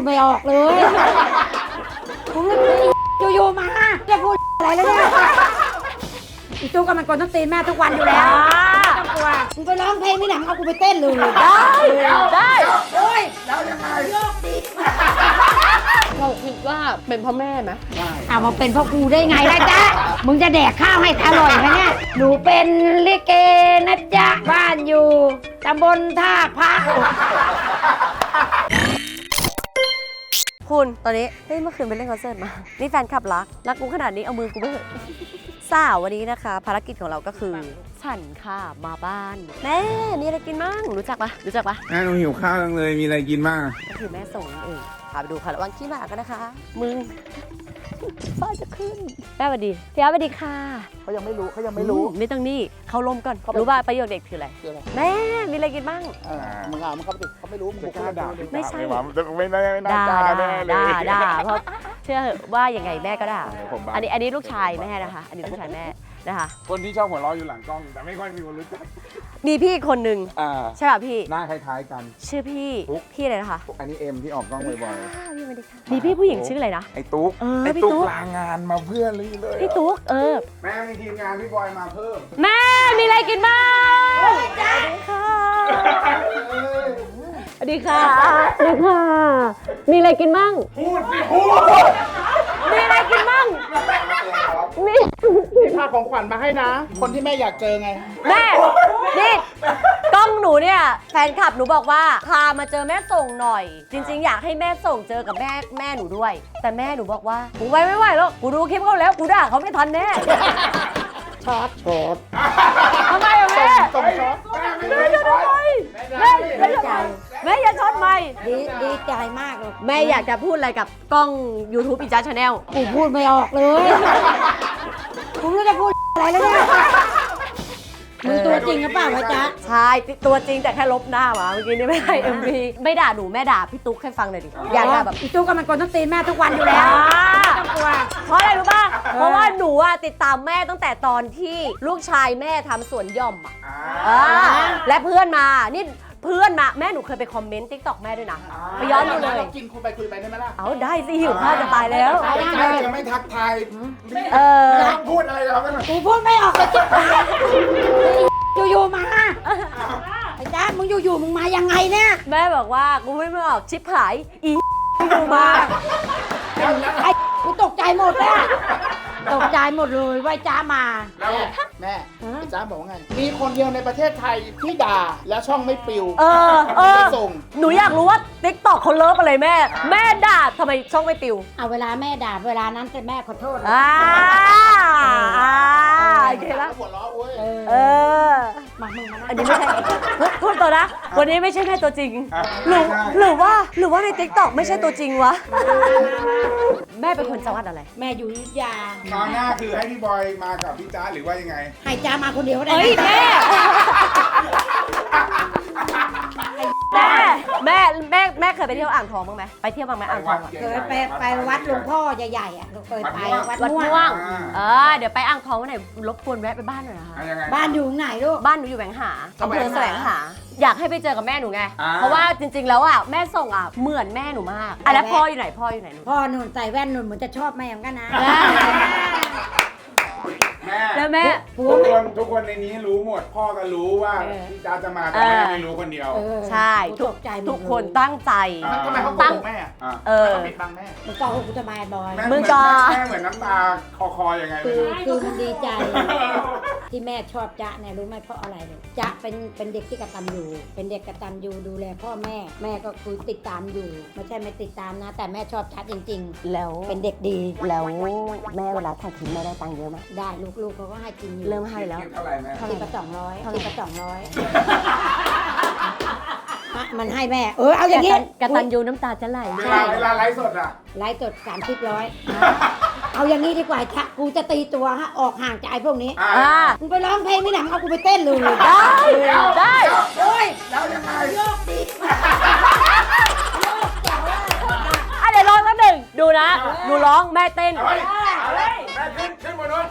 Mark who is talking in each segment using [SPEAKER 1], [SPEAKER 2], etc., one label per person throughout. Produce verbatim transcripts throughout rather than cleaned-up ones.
[SPEAKER 1] ไม่ออกเลยกูอยู่ๆมาจะพูดอะไรแล้วเนี่ยอีตู้ก็มันกดต้องตีนแม่ทุกวันอยู่แล้วไม่ต้องกลัวมึงไปร้องเพลงนี่หนังเอากูไปเต้นเลย
[SPEAKER 2] ได้ได้
[SPEAKER 1] โอ้ยแล้วยังไงโลกดี
[SPEAKER 2] เราคิดว่าเป็นพ่อแม่ไหม
[SPEAKER 1] เอามาเป็นพ่อกูได้ไงล่ะจ๊ะมึงจะแดกข้าวให้อร่อยไหมเนี่ยหนูเป็นลิเกนะจ๊ะบ้านอยู่ตำบลท่าพระ
[SPEAKER 2] คุณตอนนี้เฮ้ยเมื่อคืนไปเล่นคอนเสิร์ตมานี่แฟนคลับรักรักกูขนาดนี้เอามือกูไปเถอะสาววันนี้นะคะภารกิจของเราก็คือฉันค่ะมาบ้านแม่มีอะไรกินมั่งรู้จักปะรู้จักปะ
[SPEAKER 3] แม่หนูหิวข้าวจังเลยมีอะไรกินบ้าง
[SPEAKER 2] ก็คือแม่ส่งนั่นเองพาไปดูค่ะระวังขี้หมากันนะคะมึงฟ้าจะขึ้นแม่สวัสดีพี่อาสวัสดีค่ะ
[SPEAKER 4] เขายังไม่รู้เขายังไม่รู้
[SPEAKER 2] ไม่ต้องนี่เขาลมก่อนรู้ป่ะประโยชน์เด็กคืออะไรแม่มีอะไรกินบ้าง
[SPEAKER 4] มึงอ่ะมึงเขาไม่เขาไม่รู้มึงกล้าด่า
[SPEAKER 2] ไม่ใช่
[SPEAKER 4] ไม่ไม่ไม่น่ากล้าแน่เลย
[SPEAKER 2] ด่าด่าเพราะเชื่อว่ายังไงแม่ก็ด่าอันนี้อันนี้ลูกชายแม่นะคะอันนี้ลูกชายแม่นะคะ
[SPEAKER 3] คนที่ชอบหัวเราะอยู่หลังกล้องแต่ไม่ค่อยมีคนรู้จัก
[SPEAKER 2] มีพี่คนหนึ่งใช่ป่ะพี่
[SPEAKER 3] หน้าคล้ายๆกัน
[SPEAKER 2] ชื่อพี่พี่อะไรนะคะ
[SPEAKER 3] อันนี้เอ็มที่ออกกล้องบ่อย
[SPEAKER 2] ๆมีพี่ผู้หญิงชื่ออะไรนะ
[SPEAKER 3] ไอ้ตุ๊กไอ้ตุ๊กลางานมาเพื่อนเลยเลย
[SPEAKER 2] พี่ตุ๊กเออ
[SPEAKER 3] แม่มีทีมงานพี่บอยมาเพิ่ม
[SPEAKER 2] แม่มีอะไรกินบ้างสวัสดีค่ะสวัสดีค่ะสวัสดีค่ะมีอะไรกินบ้าง
[SPEAKER 3] พูดสิพูด
[SPEAKER 2] มีอะไรกินบ้าง
[SPEAKER 4] มีมีพาของขวัญมาให้นะคนที่แม่อยากเจอไง
[SPEAKER 2] แม่นี่กล้องหนูเนี่ยแฟนคลับหนูบอกว่าพามาเจอแม่ส่งหน่อยจริงๆอยากให้แม่ส่งเจอกับแม่แม่หนูด้วยแต่แม่หนูบอกว่ากูไว้ไม่ไหวแล้วกูดูคลิปเขาแล้วกูด่าเขาไม่ทันแน่
[SPEAKER 4] ช็อตช็อต
[SPEAKER 2] ทำไมอะแม่
[SPEAKER 4] ส่งช็อต
[SPEAKER 2] แม่จะทำไมแม่แม่จะแม่อย่าช็อตไหม
[SPEAKER 1] ดีดีใจมากเลย
[SPEAKER 2] แม่อยากจะพูดอะไรกับกล้อง YouTube อีจ้าชาแนล
[SPEAKER 1] กูพูดไม่ออกเลยกูไม่รู้จะพูดอะไรแล้วเนี่ยมึงตัวจริงหรือเปล่าวะจ๊ะ
[SPEAKER 2] ใช่ตัวจริงแต่แค่ลบหน้ามาเมื่อกี้นี่ไม่ได้ เอ็ม วี ไม่ด่าหนูแม่ด่าพี่ตุ๊กให้ฟังหน่อยดิอยากด่าแบบ
[SPEAKER 1] อีตุ๊กก็มันกดต้องตีนแม่ทุกวันอยู่แล้วไม่ต้องกลัว
[SPEAKER 2] เพราะอะไรรู้ป่ะเพราะว่าหนูอะติดตามแม่ตั้งแต่ตอนที่ลูกชายแม่ทำสวนหย่อมอะและเพื่อนมานี่เพื่อนมาแม่หนูเคยไปคอมเมนต์ติ๊กต็อกแม่ด้วยนะไปย้อนดูเลย
[SPEAKER 4] กินคุยไปคุยไปได้ไหมล่ะ
[SPEAKER 2] เอาได้สิหิวข้าวจะตายแล้ว
[SPEAKER 3] ใช่จะไม่ทักทาย
[SPEAKER 2] เออ
[SPEAKER 3] พูดอะไรเราไม่
[SPEAKER 1] กูพูดไม่ออกเลยจิ๊บอยู่ๆมาไอ้จ้ามึงอยู่ๆมึงมายังไงเนี่ย
[SPEAKER 2] แม่บอกว่ากูไม่ไม่ออกชิปหายอีอยู่มา
[SPEAKER 1] ไอ้กูตกใจหมดเลยตกใจหมดเลยว่าจ้ามา
[SPEAKER 4] แม่จ้าบอกว่าไงมีคนเดียวในประเทศไทยที่ด่าแล้วช่องไม่ปิว
[SPEAKER 2] เออเออ
[SPEAKER 4] ส่ง
[SPEAKER 2] หนูอยากรู้ว่าติ๊กต็อกเขาเลิฟอะไรแม่แม่ด่าทำไมช่องไม่ปิว
[SPEAKER 1] เอาเวลาแม่ด่าเวลานั้นแต่แม่ขอโทษ
[SPEAKER 2] อ่าอ่าโอเคแล้ว
[SPEAKER 4] หัวเราะเว้ย
[SPEAKER 2] เออ
[SPEAKER 1] มามึงมา
[SPEAKER 2] อันนี้ไม่ใช่พูดตัวนะวันนี้ไม่ใช่แม่ตัวจริงหรือหรือว่าหรือว่าในติ๊กต็อกไม่ใช่ตัวจริงวะแม่เป็นคนจังหวัดอะไร
[SPEAKER 1] แม่อยู่อยุธยา
[SPEAKER 3] ตอนหน้าคือให้พี่บอยมากับพี่จ้าหรือว่ายังไง
[SPEAKER 1] ให้จ้ามาคนเดียวได้
[SPEAKER 2] เฮ้ยแม่แม่แม่แม่เคยไปเที่ยวอ่างทองบ้างไหมไปเที่ยวบ้างไหมอ่างทอง
[SPEAKER 1] เคยไปไปวัดหลวงพ่อใหญ่ๆอ่ะเคยไปวัดม่วง
[SPEAKER 2] เออเดี๋ยวไปอ่างทองวันไหนรบกวนแวะไปบ้านหน่อยนะคะ
[SPEAKER 1] บ้านอยู่ไหนลูก
[SPEAKER 2] บ้านหนูอยู่แหวงหาอำเภอแสวงหาอยากให้ไปเจอกับแม่หนูไงเพราะว่าจริงๆแล้วอ่ะแม่ส่งอ่ะเหมือนแม่หนูมากอ่ะแล้วพ่ออยู่ไหนพ่ออยู่ไหน
[SPEAKER 1] พ่อหนูใส่แว่นหนูเหมือนจะชอบแม่เหมือนกันนะ
[SPEAKER 3] แม่
[SPEAKER 2] แล้วแม่
[SPEAKER 3] ทุกคนทุกคนในนี้รู้หมดพ่อก็รู้ว่าพี่จ้าจะมาแต่แม่ไม่รู้คนเดียว
[SPEAKER 2] ใช่ทุกทุกคนตั้งใจ
[SPEAKER 4] ทำไมเขาตั้งแม่
[SPEAKER 2] เออ
[SPEAKER 4] ปิดบังแม่
[SPEAKER 1] มึงก็กูจะมาบอย
[SPEAKER 2] มึงก็
[SPEAKER 3] แม่เหมือนน้ำตาคอคอยังไง
[SPEAKER 1] คือคือมันดีใจที่แม่ชอบจ๊ะเนี่ยรู้ไหมเพราะอะไรเลยจ๊ะเป็นเป็นเด็กที่กตัญญูเป็นเด็กกตัญญูดูแลพ่อแม่แม่ก็คือติดตามอยู่ไม่ใช่ไม่ติดตามนะแต่แม่ชอบจ๊ะจริงๆ
[SPEAKER 2] แล้ว
[SPEAKER 1] เป็นเด็กดี
[SPEAKER 2] แล้วแม่เวลาถ่ายคลิปแม่ได้ตังค์เยอะไหม
[SPEAKER 1] ได้ลูกๆเขาก็ให้กินอยู่
[SPEAKER 2] เริ่มให้แล้ว
[SPEAKER 3] เท่าไหร่แม่
[SPEAKER 1] ทีละสองร้อยทีละสองร้อยมันให้แม่เออเอาอย่างนี้
[SPEAKER 2] กตัญญูน้ำตาจะไหล
[SPEAKER 3] เวลาเวลาไลฟ์สดอะ
[SPEAKER 1] ไลฟ์สดสามสิบร้อยเอาอย่างนี้ดีกว่าชะกูจะตีตัวฮะออกห่างจากไอ้พวกนี้มึงไปร้องเพลงนี่หนังเอากูไปเต้นเลย
[SPEAKER 2] ได้ได้
[SPEAKER 1] โอ้ย
[SPEAKER 3] แล้วยังไง
[SPEAKER 1] โลกดี
[SPEAKER 2] อ่ะเดี๋ยวร้องแล้วหนึ่งดูนะหนูร้องแม่เต้น
[SPEAKER 3] แม่ขึ้นขึ้นบนนู้น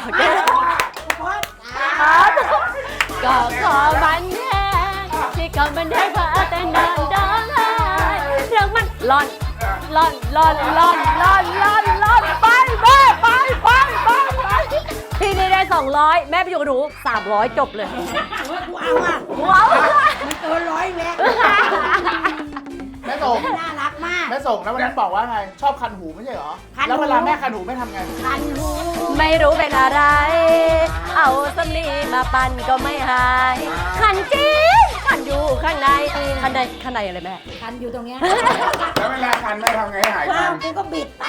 [SPEAKER 2] ก็ขอบันแทงที่ก็บันแทงพาแต่นอนดองไห้เรื่องมันร้อนล่อนล่อนล่อนล่อนล่อนล่อนไปแม่ไปไปไปไปพี่นี่ได้สองร้อยแม่ไปอยู่กับหนูสามร้อยจบเลย
[SPEAKER 1] กูเอาอ่ะ
[SPEAKER 2] ว้าว
[SPEAKER 1] มันเกินร้อยแล้ว
[SPEAKER 4] แม่ส่ง
[SPEAKER 1] น่ารักมาก
[SPEAKER 4] แม่ส่งแล้ววันนั้นบอกว่าไง ชอบคันหูไม่ใช่เหรอ
[SPEAKER 1] คันหู
[SPEAKER 4] แล้วเวลาแม่คันหูแม่ทำไง
[SPEAKER 1] คันหู
[SPEAKER 2] ไม่รู้เป็นอะไร เอาสำลีมาปั่นก็ไม่หายขันจริงขันอยู่ข้างในข้างในข้างในอะไรแม่
[SPEAKER 1] คันอยู่ตรงเนี้ย
[SPEAKER 3] แล้วเวลาคันแม่ทำไงให้หาย
[SPEAKER 1] ว้า
[SPEAKER 3] คั
[SPEAKER 1] วน กูก็บิดไป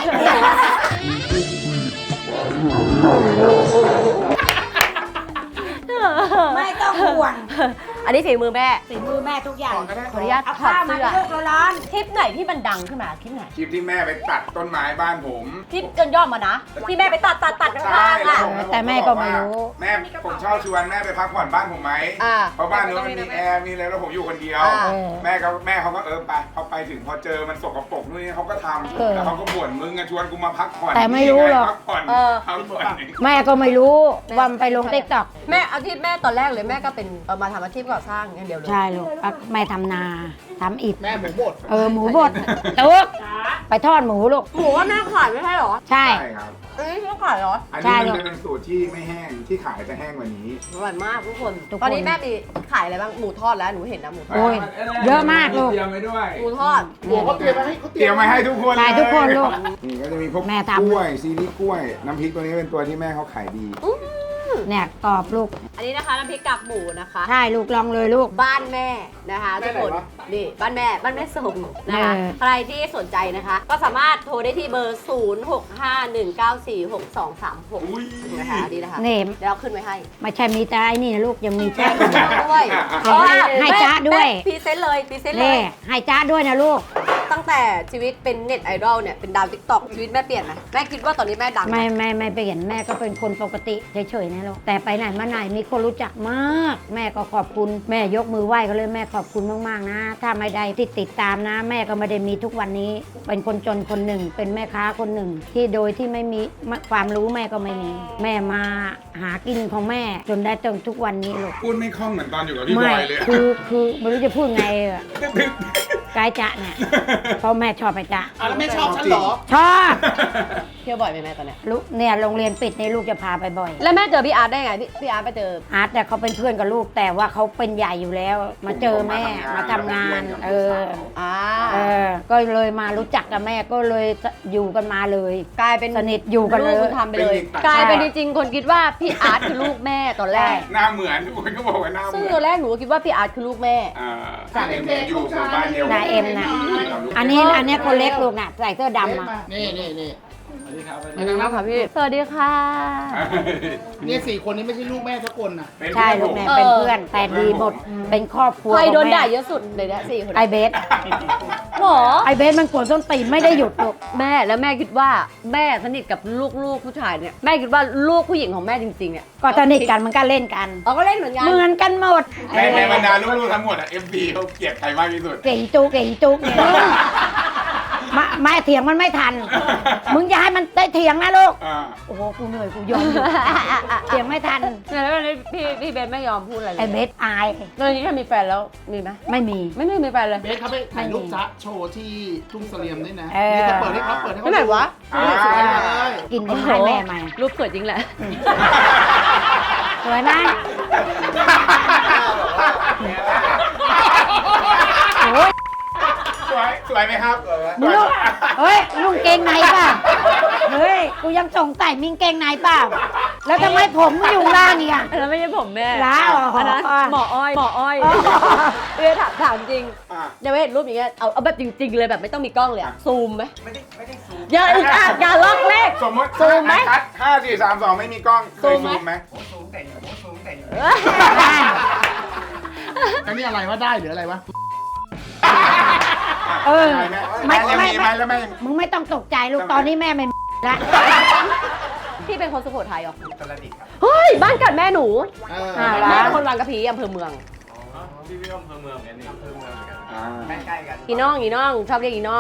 [SPEAKER 1] ไม่ต้องห่วง
[SPEAKER 2] อันนี้ฝีมือแม่
[SPEAKER 1] ฝีมือแม่ทุกอย่าง
[SPEAKER 2] ขออนุญาต
[SPEAKER 1] เอา
[SPEAKER 2] ถอ
[SPEAKER 1] ผ้า
[SPEAKER 2] ด
[SPEAKER 1] มา
[SPEAKER 2] เสื้อ
[SPEAKER 1] ให้ลูกร้อน
[SPEAKER 2] คลิปไหนที่มันดังขึ้นมาคลิปไหน
[SPEAKER 3] คลิปที่แม่ไปตัดต้นไม้บ้านผม
[SPEAKER 2] คลิปจนย่อมมานะ ที่แม่ไปตัดตัดตัดข้างๆอ่ะ
[SPEAKER 1] แต่แม่ก็ไม่รู้
[SPEAKER 3] แม่ผมชอบชวนแม่ไปพักผ่อนบ้านผมไหม
[SPEAKER 2] อ่า
[SPEAKER 3] เพราะบ้านนู้นมันมีแอร์มีอะไรแล้วผมอยู่คนเดียว
[SPEAKER 2] อ่า
[SPEAKER 3] แม่ก็แม่เขาก็เออไปพอไปถึงพอเจอมันสกปรกนู่นนี่เขาก็ท
[SPEAKER 1] เออ
[SPEAKER 3] ำแล้วเขาก็บ่นมึงอะชวนกูมาพักผ่อน
[SPEAKER 1] แต่ไม่รู้หรอก
[SPEAKER 3] พักผ่อน
[SPEAKER 2] เออ
[SPEAKER 3] พักผ่อน
[SPEAKER 1] แม่ก็ไม่รู้ว่ามันไปลงติ๊กต็อก
[SPEAKER 2] แม่อาชีพแม่ตอนแรกเลยแม่ก็เป็นเออมาทำอาชีพก่อสร้างอย่างเดียวเลย
[SPEAKER 1] ใช่ลูกแม่ทำนาทำอิฐ
[SPEAKER 4] แม่หมูบด
[SPEAKER 1] เออหมูบดตุ๊กไปทอดหมูลูก
[SPEAKER 2] หมูว่าแม่ขายไม่ใช่เหรอ
[SPEAKER 1] ใช่
[SPEAKER 3] ใช่ครับ
[SPEAKER 2] อันนี้ไม่ขายเหรอ
[SPEAKER 3] อัน
[SPEAKER 1] ใช่
[SPEAKER 3] นี้
[SPEAKER 1] ลู
[SPEAKER 3] มัน
[SPEAKER 1] ก
[SPEAKER 3] จะเป็นสูตรที่ไม่แห้งที่ขายจะแห้งกว่านี้
[SPEAKER 2] อร่อยมากทุกคน
[SPEAKER 1] ทุกคน
[SPEAKER 2] ตอนนี้แม่มีขายอะไรบ้างหมูทอดแล้วหนูเห็นนะหมูทอด
[SPEAKER 1] โอ้ยเยอะมากลูก
[SPEAKER 3] เตรียมไว้ด้วย
[SPEAKER 2] หมูทอด
[SPEAKER 4] หมูเขาเตรียมมาให้เขา
[SPEAKER 3] เตรียมมาให้ทุกคน
[SPEAKER 1] ใช่ทุกคนลูก
[SPEAKER 3] นี่ก็จะมีพวก
[SPEAKER 1] แม่ทำ
[SPEAKER 3] กล้วยซีรีส์กล้วย น้ำพริกตัวนี้เป็นตัวที่แม่เขาขายดี
[SPEAKER 1] เนี่ยกรอบลูก
[SPEAKER 2] อันนี้นะคะน้ำพริกกากหมูนะคะ
[SPEAKER 1] ใช่ลูกลองเลยลูก
[SPEAKER 2] บ้านแม่นะคะทุกคนนี่บ้านแม่บ้านแม่ส่งนะคะ
[SPEAKER 1] เออ
[SPEAKER 2] ใครที่สนใจนะคะ ก็สามารถโทรได้ที่เบอร์ ศูนย์ หก ห้า หนึ่ง เก้า สี่ หก สอง สาม หก
[SPEAKER 3] อุ้ย
[SPEAKER 2] นะคะดีนะคะ
[SPEAKER 1] นี่
[SPEAKER 2] เดี๋ยวเราขึ้นไว้ให้
[SPEAKER 1] ไม่ใช่มีแต่ไอ้นี่นะลูกยังมีแจ้ง
[SPEAKER 2] ด้วย
[SPEAKER 1] เอาให้ให้จ๊ะด้วย
[SPEAKER 2] พรีเซนต์เลยพรีเซนต์เล
[SPEAKER 1] เล่
[SPEAKER 2] ย
[SPEAKER 1] ให้จ้าด้วยนะลูก
[SPEAKER 2] ตั้งแต่ชีวิตเป็นเน็ตไอดอลเนี่ยเป็นดาวทิกตอกชีวิตแม่เปลี่ยนไหมแม่คิดว่าตอนนี้แม่ดังไหม
[SPEAKER 1] ไม่ไม่ไม่เปลี่ยนแม่ก็เป็นคนปกติเฉยๆนะลูกแต่ไปไหนมาไหนมีคนรู้จักมาก แม่ก็ขอบคุณแม่ยกมือไหว้ก็เลยแม่ขอบคุณมากๆนะ ถ้าไม่ได้ติดติดตามนะ แม่ก็ไม่ได้มีทุกวันนี้ เป็นคนจนคนหนึ่ง เป็นแม่ค้าคนหนึ่ง ที่โดยที่ไม่มีความรู้แม่ก็ไม่มี แม่มาหากินของแม่จนได้จนทุกวันนี้ลูก
[SPEAKER 3] พูดไม่คล่องเหมือนตอนอยู่กับพี่บ
[SPEAKER 1] ไม่
[SPEAKER 3] อยเลย
[SPEAKER 1] คือคือไม่รู้จะพูดไงอะกายจะเนี่ยเพราะแม่ชอบไปจะ
[SPEAKER 4] อ่ะแล้วแม่ชอบฉันเหรอ
[SPEAKER 1] ชอบ
[SPEAKER 2] เที่ยวบ่อยไหมแม่ตอนเนี้ย
[SPEAKER 1] ลูกเนี่ยโรงเรียนปิดในลูกจะพาไปบ่อย
[SPEAKER 2] แล้วแม่เจอพี่อาร์ตได้ไงพี่พี่อาร์ตไปเจอ
[SPEAKER 1] อาร์ตแต่เขาเป็นเพื่อนกับลูกแต่ว่าเขาเป็นใหญ่อยู่แล้ว มาเจอแม่มาทำงาน เออ
[SPEAKER 2] อ่า
[SPEAKER 1] เออ ก็เลยมารู้จักกับแม่ก็เลยอยู่กันมาเลย
[SPEAKER 2] กลายเป็น
[SPEAKER 1] สนิทอยู่กันเลย
[SPEAKER 2] ลูกบุญธรรมไปเลย กลายเป็นจริงๆคนคิดว่าพี่อาร์ตคือลูกแม่ตอนแรก
[SPEAKER 3] หน้าเหมือนทุกคนก็บอกว่าหน้าเห
[SPEAKER 2] ซึ่ง
[SPEAKER 3] มื
[SPEAKER 2] ต
[SPEAKER 3] อ
[SPEAKER 2] อน นแรกหนูก็คิดว่าพี่อาร์ตคือลูกแม่
[SPEAKER 3] อ่าเอ็มอยู่หมู่บ้านเดียวกั
[SPEAKER 1] นายเอ็มนะอันนี้อันนี้คนเล็กลูกน่ะใส่เสื้อดำอ่ะ
[SPEAKER 4] นี่นี่นี่
[SPEAKER 2] มานั่งค่ะพี่ สวัสดีค่ะ
[SPEAKER 4] เนี่ยสี่คนนี้ไม่ใช่ลูกแม่ทุกคนนะ
[SPEAKER 3] เป็น
[SPEAKER 1] ใช่ลูกแม่เป็นเพื่อนแต่ดีหมดเป็นครอบครัว
[SPEAKER 2] ใครโดน
[SPEAKER 1] ของแม่
[SPEAKER 2] ด่าเยอะสุดเลยเนี่ยสี่คน
[SPEAKER 1] ไอเบส
[SPEAKER 2] หรอ
[SPEAKER 1] ไอเบสมันกวนส้นตีนไม่ได้หยุดลูก
[SPEAKER 2] แม่แล้วแม่คิดว่าแม่สนิทกับลูกๆผู้ชายเนี่ยแม่คิดว่าลูกผู้หญิงของแม่จริงๆเนี่ย
[SPEAKER 1] ก็สนิทกันมันก็เล่นกัน
[SPEAKER 2] อ๋อก็เล่นเหมือนกัน
[SPEAKER 1] เหมือนกันหมด
[SPEAKER 3] ในในบรรดาลูกๆทั้งหมดอะเอฟซีเขาเกลียดใครมากที่สุด
[SPEAKER 1] เก่งจุกเก่งจุกเนี่ยมามาเถียงมันไม่ทัน มึงอย่าให้มันได้เถียงนะลูก
[SPEAKER 3] อ่า
[SPEAKER 1] โอ้โห กูเหนื่อย กูยอมอยู่เถียงไม่ทัน
[SPEAKER 2] แล้ววันนี้พี่พี่เบนไม่ยอมพูดอะไรเล
[SPEAKER 1] ไอย เบสอาย
[SPEAKER 2] ตอนนี้ถ้ามีแฟนแล้วมีไหม
[SPEAKER 1] ไม่มี
[SPEAKER 2] ไม่ไม่มีแฟนเลย
[SPEAKER 4] เบสเขาไปถ่ายรูปจ๊ะโชว์ที่ทุ่งเสลี่ยมด้วยนะ
[SPEAKER 1] เออ
[SPEAKER 4] นี่จะเปิดให้เขาเปิดให้เขา
[SPEAKER 2] ที่ไหนวะ
[SPEAKER 4] ดูสวยเลย
[SPEAKER 1] กินกันให้แม่ใหม่
[SPEAKER 2] รูปสวยจริงแหละ
[SPEAKER 1] สวยไหมโอ้ย
[SPEAKER 3] สวยสวยไหมครับ
[SPEAKER 1] มึงลูกเฮ้ยลุงเกงในป่ะ เฮ้ย กูยังสงสัยมิงเกงในเปล่า แล้วทำไมผมมึงอยู่ล่างอีกอ่ะ
[SPEAKER 2] อันนั้นไม่ใช่ผมแม่
[SPEAKER 1] ล้าเหรอ
[SPEAKER 2] อันนั้น
[SPEAKER 1] อ๋อ
[SPEAKER 2] หมออ้อยหมออ้อย
[SPEAKER 1] อ๋อ
[SPEAKER 2] เออถามถามจริง
[SPEAKER 3] อ่ะ
[SPEAKER 2] ยังไม่เห็นรูปอย่างเงี้ยเอาเอาแบบจริง ๆ เลยแบบไม่ต้องมีกล้องเลยอะซูมไหมไม่ได้ไม่ได้ซูมอย่าอีกอ่ะอย่าลอกเลข
[SPEAKER 3] สมมติ
[SPEAKER 2] ซูมไหม
[SPEAKER 3] คัดห้าสี่สามสองไม่มีกล้องเคย
[SPEAKER 2] ซู
[SPEAKER 3] ซู
[SPEAKER 2] ม
[SPEAKER 3] ม
[SPEAKER 2] ไห
[SPEAKER 3] ไห
[SPEAKER 2] ม
[SPEAKER 3] ม
[SPEAKER 4] อันนี้อะไรวะได้หรืออะไรวะ
[SPEAKER 1] เออ
[SPEAKER 3] ไม่
[SPEAKER 1] ไม่
[SPEAKER 3] ไม่
[SPEAKER 1] ไม่
[SPEAKER 3] มีไหมแล้วไม่
[SPEAKER 1] มึงไม่ต้องตกใจลูก ตอนนี้แม่ไม่ละ
[SPEAKER 2] พี่เป็นคนสุโขทัยเหรออุตรดิตถ์ครับเฮ้ยบ้านเกิดแม่หนู
[SPEAKER 4] เออ
[SPEAKER 1] อ่า
[SPEAKER 2] แม่เป็นคนบางกะพีอำเภอเมือง
[SPEAKER 3] อ่า
[SPEAKER 2] อีน้องอีน้องชอบเรียกอีน้อง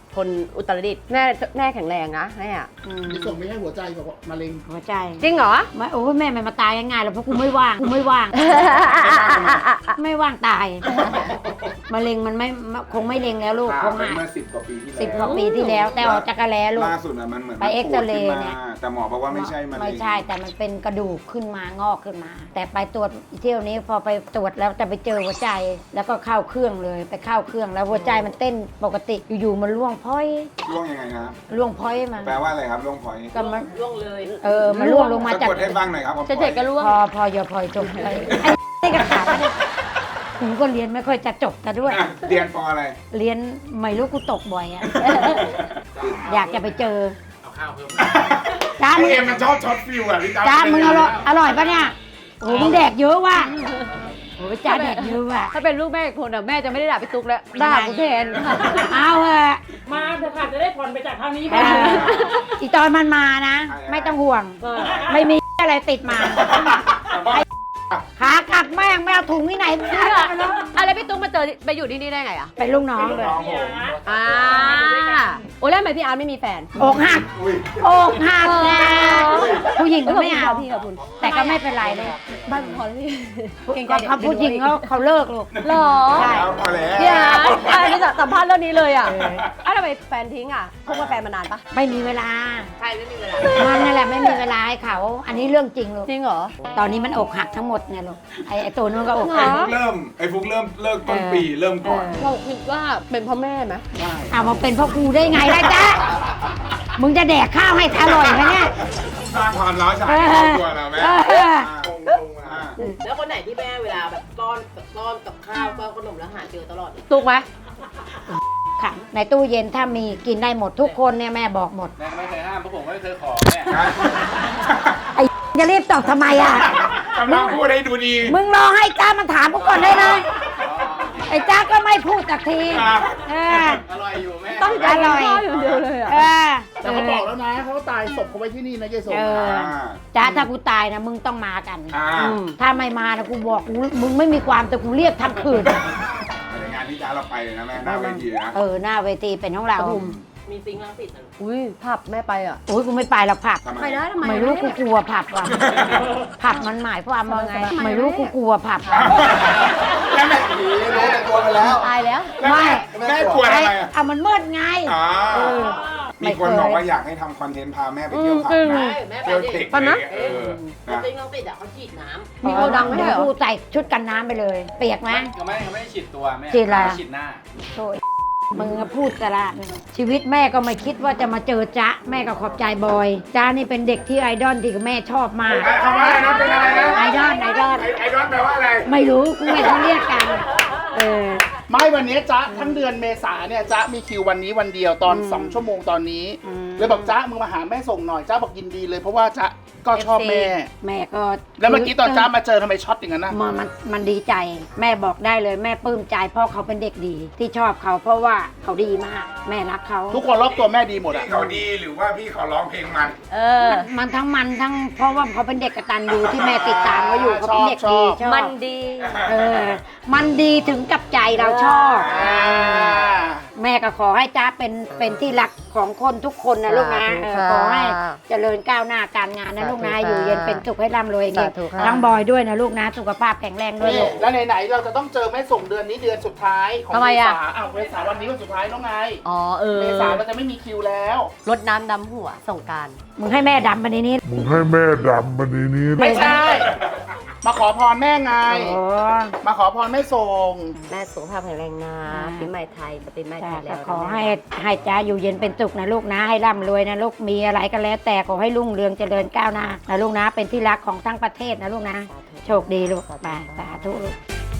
[SPEAKER 2] คนอุตรดิตถ์แม่แม่แข็งแรงนะแม่อะอืม
[SPEAKER 4] มีส่งไม่ให้หัวใจบอกว่ามะเร็ง
[SPEAKER 1] หัวใจ
[SPEAKER 2] จริงเหรอ
[SPEAKER 1] ไม่โอ้ยแม่ไม่มาตายง่ายๆหรอกเพราะกูไม่ว่างกูไม่ว่าง ไม่ว่างตายมะเร็งมันไม่คงไม่เร็งแล้วลูกค
[SPEAKER 3] ผ่าง ไป
[SPEAKER 1] หาย
[SPEAKER 3] เมื่อสิบกว่าปีที่แล้ว
[SPEAKER 1] สิบกว่าปีที่แล้ว แต่ออกจากกระแลลูก
[SPEAKER 3] ล่าสุดอะมันเหมือน
[SPEAKER 1] ไปเอ็กซเรย์เนี่ย
[SPEAKER 3] แต่หมอบอกว่าไม่ใช่มะเร็ง
[SPEAKER 1] ไม่ใช่แต่มันเป็นกระดูกขึ้นมางอกขึ้นมา แต่ไปตรวจเที่ยวนี้พอไปตรวจแล้วจะไปเจอหัวใจ แล้วก็เข้าเครื่องเลยไปเข้าเครื่องแล้วหัวใจมันเต้นปกติอยู่ๆมันร่วงพ้อย
[SPEAKER 3] ร่วงยังไงนะ
[SPEAKER 1] ร่วงพ้อยมา
[SPEAKER 3] แปลว่าอะไรครับร่วงพอย
[SPEAKER 1] ก็มัน
[SPEAKER 2] ร่วงเลย
[SPEAKER 1] เออมันร่วงลงมา
[SPEAKER 3] สะ
[SPEAKER 1] จาก
[SPEAKER 3] กดให้ฟังหน่อยครับ
[SPEAKER 2] จะเด็กก็ร่วง
[SPEAKER 1] พอพออย่าพลอยจบไปไอ้นี่ก็ขาดกูก็เรียนไม่ค่อยจะจบแต่ด้วย
[SPEAKER 3] อ่ะเรียนปออะไร
[SPEAKER 1] เรียนไม่รู้กูตกบ่อยอะอยากจะไปเจอ
[SPEAKER 5] เอาข้าวเพิ่ม
[SPEAKER 1] จ้า
[SPEAKER 3] ไอ
[SPEAKER 1] มึง
[SPEAKER 3] เอ็มมันชอบช็อตฟิวอ่ะพี่จ้า
[SPEAKER 1] จ้ามึงอร่อยอร่อยปะเนี่ยโอ้โหมึงแดกเยอะว่ะโอ้โหจ้าแดกเยอะว่ะ
[SPEAKER 2] ถ้าเป็นลูกแม่อีกคนอะแม่จะไม่ได้ด่าพี่ตุ๊กแล้วด่ากูแทน
[SPEAKER 1] เอาเถอะ
[SPEAKER 5] มาเถอะค่ะจะได้ผ่อนไปจากทางนี้
[SPEAKER 1] เอ
[SPEAKER 5] บ้าง
[SPEAKER 1] ออีตอนมันมานะ ไม่ต้องห่วง ไม่มีอะไรติดมาไอ้ขากลับแม่งไม่เอาถุงที่ไหนมึงเอาไปแล้ว
[SPEAKER 2] อะไรพี่ตุ๊กมาเจอไปอยู่ที่นี่ได้ไงอะ
[SPEAKER 1] เป็นลูกน้องเลย
[SPEAKER 3] น้องผม
[SPEAKER 2] อ่าโอ้แล้วทำไมพี่อาร์ตไม่มีแฟน
[SPEAKER 1] อกหัก
[SPEAKER 3] อุ้ย
[SPEAKER 1] อกหักนะผู้หญิงก็ไม่เอา
[SPEAKER 2] พี่ขอบคุณ
[SPEAKER 1] แต่ก็ไม่เป็นไรเลย
[SPEAKER 2] บ้านพอแล้วพี่เก่งใจ
[SPEAKER 1] เขาผู้หญิงเขาเขาเลิกลูก
[SPEAKER 2] หรอ
[SPEAKER 1] ใช่
[SPEAKER 3] เอาพอแล้ว
[SPEAKER 2] พี่อาร์ตอันนี้สัมภาษณ์เรื่องนี้เลยอ่ะ
[SPEAKER 1] เออ
[SPEAKER 2] อ้าวทำไมแฟนทิ้งอ่ะคบกับแฟนมานานปะ
[SPEAKER 1] ไม่มีเวลา
[SPEAKER 2] ใช่ไม่มีเวลา
[SPEAKER 1] มันนั่นแหละไม่มีเวลาให้เขา อันนี้เรื่องจริงลูก
[SPEAKER 2] จริงเหรอ
[SPEAKER 1] ตอนนี้มันอกหักทั้งหมดเนี่ยลูกไอ้ไอ้ตัวนู้นก็อก
[SPEAKER 2] เหร
[SPEAKER 1] หั
[SPEAKER 3] ไอ้
[SPEAKER 1] ก
[SPEAKER 3] ฟุกเริ่มไอ้ฟุกเริ่มเลิกต้นปีเริ่มก่อน
[SPEAKER 2] เราคิดว่าเป็นพ่อแม่ไหม
[SPEAKER 3] ใช่
[SPEAKER 1] เอามาเป็นพ่อครูได้ไงล่ะจ๊ะมึงจะแดกข้าวให้อร่อยไหมเนี่ย
[SPEAKER 3] สร้างความร้าวฉานให้ครอบครัวเราไหม
[SPEAKER 1] เออ
[SPEAKER 3] อ่าอ่า
[SPEAKER 6] แล้วคนไหนที่แม่เวลาแบบต้อนต้อนกับข้าวต้อนขนมแล้วหาเจอตลอดเลย
[SPEAKER 2] ถูกไหม
[SPEAKER 1] ค่ะในตู้เย็นถ้ามีกินได้หมดทุกคนเนี่ยแม่บอกหมด
[SPEAKER 5] แม่ไม่เคยห้ามเพราะผมไม่เคยขอแม่
[SPEAKER 1] ไอ้จะรีบตอบทำไมอ่ะ
[SPEAKER 3] กำลังพูดให้ดูดี
[SPEAKER 1] มึงรอให้จ้ามันถามกูก่อนได้เลยไอ้จ้าก็ไม่พูดสักที
[SPEAKER 3] ครับ
[SPEAKER 1] เออ
[SPEAKER 5] อร่อยอยู่แม่
[SPEAKER 2] ตั้งใจ
[SPEAKER 1] อร่อย
[SPEAKER 2] ข้าวอย่างเดียวเลยอ่ะ
[SPEAKER 1] เออ
[SPEAKER 4] แต่เขาบอกแล้วนะเขาก็ตายศพเขาไว้ที่นี่นะยายสม
[SPEAKER 1] เออ
[SPEAKER 3] อ่า
[SPEAKER 1] จ้าถ้ากูตายนะมึงต้องมากัน
[SPEAKER 3] อ่า
[SPEAKER 2] อืม
[SPEAKER 1] ถ้าไม่มานะกูบอกกูมึงไม่มีความแต่กูเรียกทั้งคืน
[SPEAKER 3] ในงานที่จ้าเราไปเลยนะแม่หน้าเวทีนะ
[SPEAKER 1] เออหน้าเวทีเป็นของเรา
[SPEAKER 6] มีซิงค์ลังสิตนะ
[SPEAKER 2] อุ้ยผับแม่ไปอ่ะ
[SPEAKER 1] โอ้ยกูไม่ไปหรอกผับ
[SPEAKER 3] ทำไม
[SPEAKER 2] ไปได้ทำไม
[SPEAKER 1] ไม่รู้กูกลัวผับว่ะผับมันหมายความว่าไง ไม่รู้กูกลัวผับ
[SPEAKER 3] แล้วแม่
[SPEAKER 7] รู้แต่ตัวไปแล้ว
[SPEAKER 2] ตายแล้ว
[SPEAKER 3] แล้วแม่แม่กลัวทำไมอ่ะ
[SPEAKER 1] เอามันมืดไง
[SPEAKER 3] อ๋อ
[SPEAKER 1] เออ
[SPEAKER 3] มีคนบอกว่าอยากให้ทำคอนเทนต์พาแม่ไปเที่ยวผับ
[SPEAKER 2] อืม
[SPEAKER 3] นะ
[SPEAKER 6] ใช่แม่ไป
[SPEAKER 3] เที่ยว
[SPEAKER 6] ดิ
[SPEAKER 3] เทค
[SPEAKER 2] ปะนะ
[SPEAKER 3] เออ
[SPEAKER 6] แล้ว
[SPEAKER 3] นะ
[SPEAKER 6] ซิงค์ลังสิตอ่ะเขาฉีดน้
[SPEAKER 2] มีโกดังไหมเหรอ
[SPEAKER 1] เดี๋ยวกูใส่ชุดกันน้ำไปเลย เปียกไหม
[SPEAKER 5] ก็ไม่ก็ไม่ได้ฉีดตัวแม่
[SPEAKER 1] ฉีดอะไร
[SPEAKER 5] ฉีดหน้า
[SPEAKER 1] โถ่มึงอะพูดกระละชีวิตแม่ก็ไม่คิดว่าจะมาเจอจ๊ะ แม่ก็ขอบใจบอยจ๊ะนี่เป็นเด็กที่ไอดอลที่แม่ชอบมาก
[SPEAKER 3] คำว่าอะไรนะเป็นอะไรนะ
[SPEAKER 1] ไอดอลไอดอล
[SPEAKER 3] ไอไอดอนแปลว่าอะไร
[SPEAKER 1] ไม่รู้กูไม่เขาเรียกกัน เออ
[SPEAKER 4] ไม่วันนี้จ๊ะทั้งเดือนเมษาเนี่ยจ๊ะมีคิววันนี้วันเดียวตอนสองชั่วโมงตอนนี้
[SPEAKER 1] อืม
[SPEAKER 4] เลยบอกจ๊ะมึงมาหาแม่ส่งหน่อยจ๊ะบอกยินดีเลยเพราะว่าจ๊ะก็ชอบแม่
[SPEAKER 1] แม่ก็
[SPEAKER 4] แล้วเมื่อกี้ตอนจ๊ะมาเจอทำไมช็อตอย่างนั้นนะ
[SPEAKER 1] มันมันมันดีใจ แม่บอกได้เลยแม่ปลื้มใจเพราะเขาเป็นเด็กดีที่ชอบเขาเพราะว่าเขาดีมาก แม่รักเขา
[SPEAKER 4] ทุกคนรอบตัวแม่ดีหมดอ่ะ
[SPEAKER 3] พี่เขาดีหรือว่าพี่เขาร้องเพลงมัน
[SPEAKER 2] เออ
[SPEAKER 1] มันทั้งมันทั้งเพราะว่าเขาเป็นเด็กกตัญญูที่แม่ติดตามเขาอยู่เขาเป็นเด็กดีชอบ
[SPEAKER 2] มันดี
[SPEAKER 1] เออ มันดีถึงกับใจเราชอบ
[SPEAKER 4] อ่า
[SPEAKER 1] แม่ก็ขอให้จ้าเป็นเป็นที่รักของคนทุกคนนะลูกนะเออขอให้เจริญก้าวหน้าการงานนะลูกนะอยู่เย็นเป็นสุขให้ร่ำรวยเงี้ย
[SPEAKER 2] สาธุค่ะ
[SPEAKER 1] ทั้งบอยด้วยนะลูกนะ สุขภาพแข็งแรงด้วย
[SPEAKER 4] นี่
[SPEAKER 1] ลูก
[SPEAKER 4] แล้วไหนๆเราจะต้องเจอแม่ส่งเดือนนี้เดือนสุดท้ายของ
[SPEAKER 2] ทำไม
[SPEAKER 4] เม
[SPEAKER 2] อะ
[SPEAKER 4] ษาอ้าวเมษาวันนี้วันสุดท้ายแล้วไง
[SPEAKER 2] อ๋อเออ
[SPEAKER 4] เมษาเราจะไม่มีคิวแล้ว
[SPEAKER 2] รดน้ำดำหัวส่งกราร
[SPEAKER 1] มึงให้แม่ดำไปในนี้
[SPEAKER 7] มึงให้แม่ดำมาในนี้
[SPEAKER 4] ไม่ใช่ มาขอพรแม่ไง
[SPEAKER 1] โอ้
[SPEAKER 4] มาขอพรแม่ส่ง
[SPEAKER 2] แม่สุขภาพแข็งแรงนะ
[SPEAKER 1] อ่า
[SPEAKER 2] ปีใหม่ไทยจะเป็นแม่ไท
[SPEAKER 1] จ้ะ
[SPEAKER 2] ยแล้ว
[SPEAKER 1] ก็ขอให้ให้จ้าอยู่เย็นเป็นสุขนะลูกนะ ให้ร่ำรวยนะลูกมีอะไรก็แล้ว แต่ขอให้รุ่งเรืองเจริญก้าวหน้านะลูกนะ เป็นที่รักของทั้งประเทศนะลูกนะ โชคดีลูกไปสาธุลูก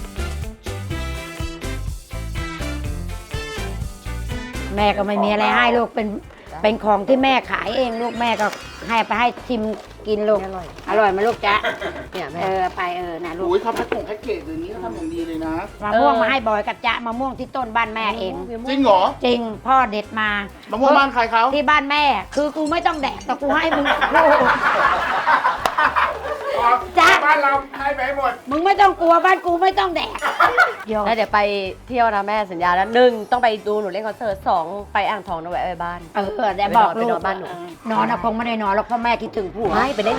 [SPEAKER 1] แม่ก็ไม่มีอะไรให้ลูกเป็นเป็นของที่แม่ขายเองลูกแม่ก็ให้ไปให้ชิมกินลูก
[SPEAKER 2] อร่อย
[SPEAKER 1] อร่อยไหมาลูกจ๊ะ
[SPEAKER 2] เนี่ยแม่
[SPEAKER 1] เออไปเออนะลูก
[SPEAKER 4] อุ้ยเขาแพ็คผงแพ็คเกจอย่างนี้เขาทำอย่างดีเลยนะ
[SPEAKER 1] มะม่วง
[SPEAKER 2] เออ
[SPEAKER 1] มาให้บอยกับจ๊ะมะม่วงที่ต้นบ้านแม่เอง
[SPEAKER 4] จริงเหรอ
[SPEAKER 1] จริงพ่อเด็ดมา
[SPEAKER 4] มะม่วงบ้านใครเขา
[SPEAKER 1] ที่บ้านแม่ คือกูไม่ต้องแดกแต่กูให้มึงกู
[SPEAKER 4] อ
[SPEAKER 1] จ๊ะ
[SPEAKER 3] บ้านเราให้ไปให้หมด
[SPEAKER 1] มึงไม่ต้องกลัวบ้านกูไม่ต้องแดกโย
[SPEAKER 2] แล้วเดี๋ยวไปเที่ยวนะแม่สัญญาแล้วหนึ่งต้องไปดูหนูเล่นคอนเสิร์ตสองไปอ่างทองนะแวะไปบ้าน
[SPEAKER 1] เออแต่บอกลู
[SPEAKER 2] ไปน
[SPEAKER 1] ก
[SPEAKER 2] อนบ้านหนู
[SPEAKER 1] นอนอะคงไม่ได้นอนหรอกเพราะแม่คิดถึงผัว
[SPEAKER 2] ไม่ไปเล่น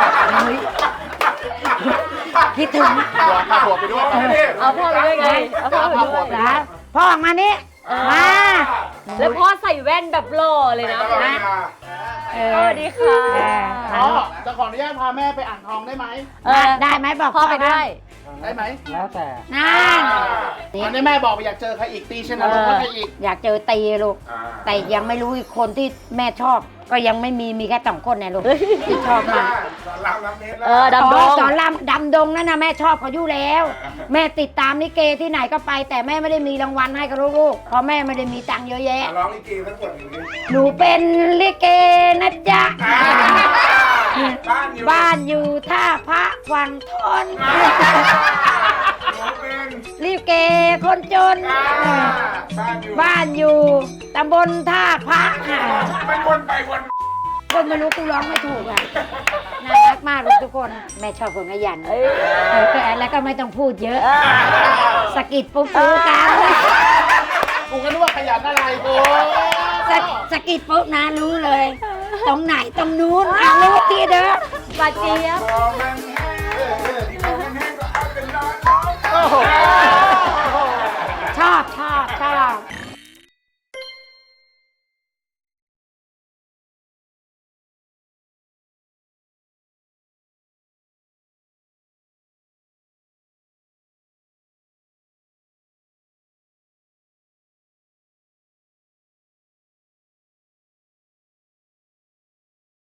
[SPEAKER 1] คิดถึง
[SPEAKER 4] หัวพาหัวไปด้วย
[SPEAKER 2] เอาพ่อไปด้วยไงเอาพ่อไปด้วย
[SPEAKER 1] นะพ่อออกมานี่มา
[SPEAKER 2] แล้วพ่อใส่แว่นแบบหล่อเลยนะ
[SPEAKER 3] ตลอดเวลา
[SPEAKER 1] เอ
[SPEAKER 2] ส
[SPEAKER 1] อ
[SPEAKER 2] วัสดีค่ะ
[SPEAKER 4] อ๋อจะขออนุญาตพาแม่ไปอ่างทองได้ไหม
[SPEAKER 2] เออ
[SPEAKER 1] ได้ไหมบอก
[SPEAKER 2] พ่อไปด้วย
[SPEAKER 4] ได้ไหม
[SPEAKER 5] แล้วแต่
[SPEAKER 1] นั่น
[SPEAKER 4] อันนี้แม่บอกไปอยากเจอใครอีกตีชนะลูกใครอีก
[SPEAKER 1] อยากเจอตีลูก
[SPEAKER 3] อ่า
[SPEAKER 1] แต่ยังไม่รู้อีกคนที่แม่ชอบ ก็ยังไม่มีมีแค่สองคนเนี่ยลูกที่ชอบมาก
[SPEAKER 3] สอนรามน้ำเพชรแล้ว
[SPEAKER 2] เออดำด
[SPEAKER 1] อ๋อง สอนรามดำดงนั่นนะแม่ชอบเขาอยู่แล้ว แม่ติดตามลิเกที่ไหนก็ไป แต่แม่ไม่ได้มีรางวัลให้กับลูกๆเพราะแม่ไม่ได้มีตังค์เยอะแยะ
[SPEAKER 3] ร้องลิเกทั้งหมดอยู่นี่
[SPEAKER 1] หนูเป็นลิเกนะจ๊ะ
[SPEAKER 3] อ่าบ้านอยู่
[SPEAKER 1] บ้านอยู่ท่าพระวังทน
[SPEAKER 3] อ่าหนูเป็น
[SPEAKER 1] ลิเกคนจน
[SPEAKER 3] อ่าบ้านอยู่
[SPEAKER 1] บ้านอยู่ตำบลท่าพระอ่า
[SPEAKER 3] มันวนไปวน
[SPEAKER 1] คนไม่รู้กูร้องไม่ถูกอ่ะน่ารักมากลูกทุกคนแม่ชอบคนขยันเออแล้วก็ไม่ต้องพูดเยอะสะกิดปุ๊บรู้กัน
[SPEAKER 4] กูก็นึกว่าขยันอะไรกู
[SPEAKER 1] สะสะกิดปุ๊บนะรู้เลย ตรงไหนตรงนู้นอ่ะรู้ที่เด้อ
[SPEAKER 2] ปาเจี๊ยบ
[SPEAKER 3] พอมันแห้งเออเออที่พอมันแห้งก็เอาเป็นนอนร้อง
[SPEAKER 4] โอ้โห
[SPEAKER 1] ชอบชอบชอบ